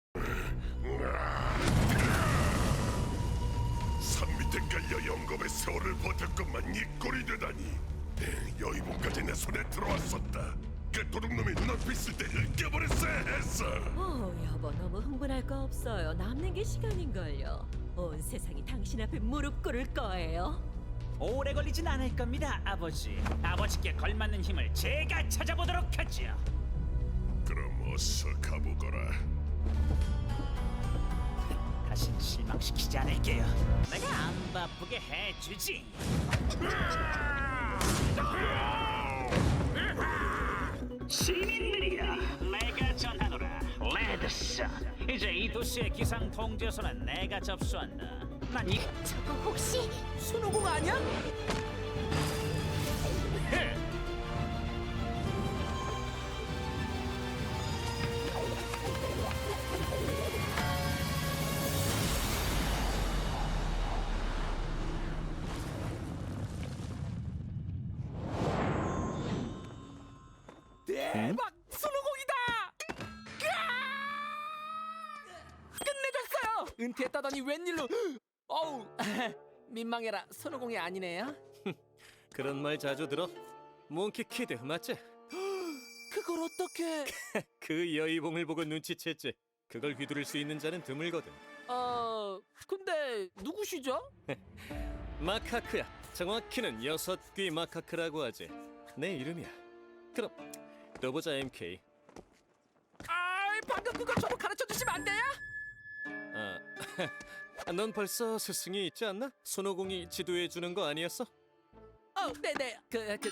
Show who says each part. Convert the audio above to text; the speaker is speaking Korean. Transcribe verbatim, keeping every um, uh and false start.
Speaker 1: 산 밑에 깔려 영겁의 세월을 버텼건만 이 꼴이 되다니. 여의봉까지 내 손에 들어왔었다. 그 도둑놈이 눈앞에 있을 때 으깨버렸어야 했어.
Speaker 2: 어, 여보 너무 흥분할 거 없어요. 남는 게 시간인걸요. 온 세상이 당신 앞에 무릎 꿇을 거예요.
Speaker 3: 오래 걸리진 않을 겁니다, 아버지. 아버지께 걸맞는 힘을 제가 찾아보도록 하죠.
Speaker 1: 그럼 어서 가보거라.
Speaker 3: 다신 실망시키지 않을게요. 내가 안 바쁘게 해주지. 시민들이여, 내가 전하노라. 레드선. 이제 이 도시의 기상 통제소는 내가 접수한다. 난 이...
Speaker 4: 저거 혹시
Speaker 3: 손오공 아니야? 대박! 손오공이다!
Speaker 5: 끝내줬어요! 은퇴했다더니 웬일로? 어우, 민망해라. 손오공이 아니네요.
Speaker 6: 그런 말 자주 들어? 몽키 키드 맞지?
Speaker 5: 그걸 어떻게?
Speaker 6: 그 여의봉을 보고 눈치챘지. 그걸 휘두를 수 있는 자는 드물거든.
Speaker 5: 어, 근데 누구시죠?
Speaker 6: 마카크야. 정확히는 여섯 귀 마카크라고 하지. 내 이름이야. 그럼 또 보자 엠케이.
Speaker 5: 아, 방금 그거 저도 가르쳐 주시면 안 돼요?
Speaker 6: 아, 넌 벌써 스승이 있지 않나? 손오공이 지도해 주는 거 아니었어?
Speaker 5: 어, 네네. 그, 그